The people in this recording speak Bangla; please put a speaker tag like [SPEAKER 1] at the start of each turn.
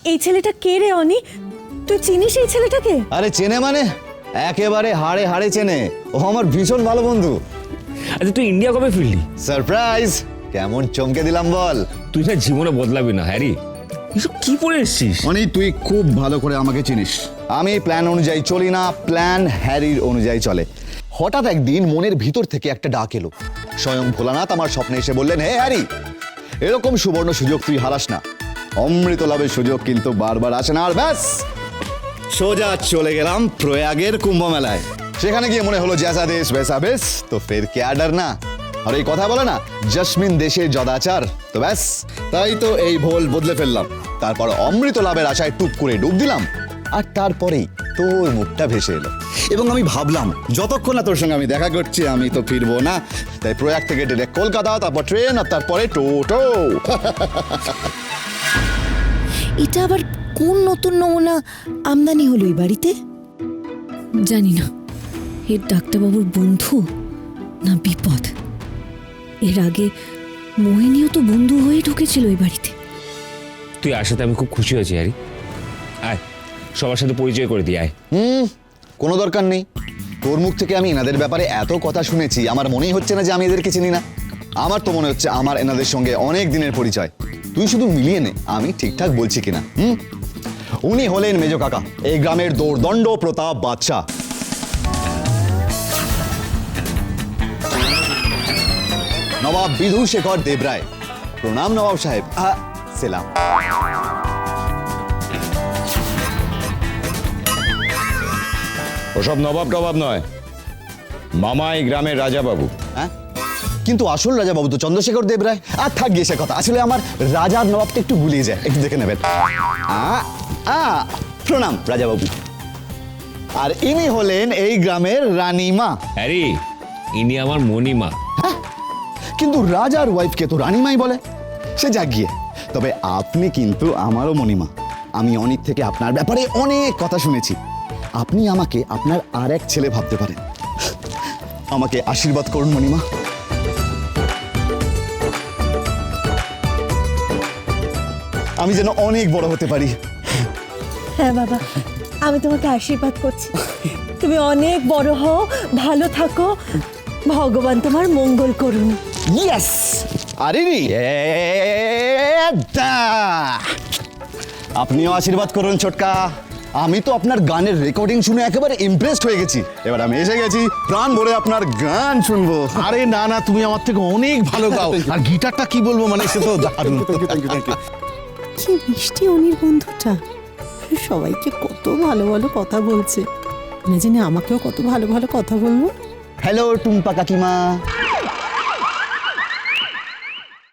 [SPEAKER 1] এই ছেলেটা কে রে অনি? তুই চিনিস এই ছেলেটাকে?
[SPEAKER 2] আরে চেনে মানে একেবারে হাড়ে হাড়ে চেনে, ও আমার ভীষণ ভালো বন্ধু।
[SPEAKER 3] আচ্ছা তুই ইন্ডিয়া কবে ফিরলি?
[SPEAKER 2] সারপ্রাইজ, কেমন চমকে দিলাম বল।
[SPEAKER 3] তুই না জীবনে বদলাবি না হ্যারি। এসব কি পরে এসছিস?
[SPEAKER 4] অনি তুই খুব ভালো করে আমাকে চিনিস।
[SPEAKER 2] আমি প্ল্যান অনুযায়ী চলি না, প্ল্যান হ্যারির অনুযায়ী চলে। হঠাৎ একদিন মনের ভিতর থেকে একটা ডাক এলো। স্বয়ং ভোলানাথ আমার স্বপ্নে এসে বললেন, হে হ্যারি, এরকম সুবর্ণ সুযোগ তুই হারাস না। অমৃত লাভের সুযোগ কিন্তু বারবার আসে না। আর ব্যাস সোজা চলে গেলাম প্রয়াগের কুম্ভ মেলায়। সেখানে গিয়ে মনে হলো জैसा দেশ वैसा বেশ, তো ফের কে ডরনা। আর এই কথা বলে না, জসমিন দেশে যদাচার। তো ব্যাস তাই তো এই ভোল বদলে ফেললাম। তারপর অমৃত লাভের আশায় টুপ করে ডুব দিলাম, আর তারপরেই তোর মুখটা ভেসে এলো এবং আমি ভাবলাম যতক্ষণ না তোর সঙ্গে আমি দেখা করছি আমি তো ফিরবো না। তাই প্রয়াগ থেকে ডিরেক্ট কলকাতা, তারপর ট্রেন, আর তারপরে টোটো।
[SPEAKER 5] এটা আবার কোন নতুন নমুনা আমদানি হলো এই বাড়িতে? জানি না এর ডাক্তারবাবুর বন্ধু না বিপদ। এর আগে মোহিনীও তো বন্ধু হয়ে ঢুকেছিল এই বাড়িতে।
[SPEAKER 3] তুই আসাতে আমি খুব খুশি হয়েছি হ্যারি। আয় সবার সাথে পরিচয় করে দিই, আয়।
[SPEAKER 2] কোনো দরকার নেই। তোর মুখ থেকে আমি এনাদের ব্যাপারে এত কথা শুনেছি, আমার মনেই হচ্ছে না যে আমি এদেরকে চিনি না। আমার তো মনে হচ্ছে আমার এনাদের সঙ্গে অনেক দিনের পরিচয়। তুই শুধু মিলিয়ে নে আমি ঠিকঠাক বলছি কিনা। উনি হলেন মেজো কাকা, এই গ্রামের দোর্দণ্ড প্রতাপ বাদশাহ। নবাব বিধুশেখর দেবরায়। প্রণাম নবাব সাহেব। সেলাম।
[SPEAKER 6] ওসব নবাব টবাব নয়, মামা এই গ্রামের রাজা বাবু।
[SPEAKER 2] হ্যাঁ, কিন্তু আসল রাজা বাবু তো চন্দ্রশেখর দেবরায়। আর থাক গিয়ে সে কথা, আসলে আমার রাজার নবাবটা একটু গুলিয়ে যায়, একটু দেখে নেবেন। প্রণাম রাজা বাবু। আর ইনি হলেন এই গ্রামের রানীমা।
[SPEAKER 3] হ্যারি, ইনি আমার মণিমা।
[SPEAKER 2] কিন্তু রাজার ওয়াইফকে তো রানীমাই বলে। সে যাক গিয়ে, তবে আপনি কিন্তু আমারও মণিমা। আমি অনেক থেকে আপনার ব্যাপারে অনেক কথা শুনেছি। আপনি আমাকে আপনার আর এক ছেলে ভাবতে পারেন। আমাকে আশীর্বাদ করুন মণিমা। আমি যেন অনেক বড় হতে পারি।
[SPEAKER 1] হ্যাঁ বাবা, আমি তোমাকে আশীর্বাদ করছি। তুমি অনেক বড় হও, ভালো থাকো, ভগবান তোমার মঙ্গল করুন।
[SPEAKER 2] ইয়েস। আরে আপনিও আশীর্বাদ করুন ছোটকা। আমি তো আপনার গানের রেকর্ডিং শুনে একেবারে ইমপ্রেসড হয়ে গেছি। এবার আমি এসে গেছি প্রাণ ভরে আপনার গান শুনবো।
[SPEAKER 4] আরে না না, তুমি আমার থেকে অনেক ভালো গাও। আর গিটারটা কি বলবো, মানে সে তো দারুণ।
[SPEAKER 7] কি মিষ্টি অনির বন্ধুটা, সবাইকে কত ভালো ভালো কথা বলছে। না জানি আমাকেও কত ভালো ভালো কথা বলবো।
[SPEAKER 2] হ্যালো টুম্পা কাকিমা।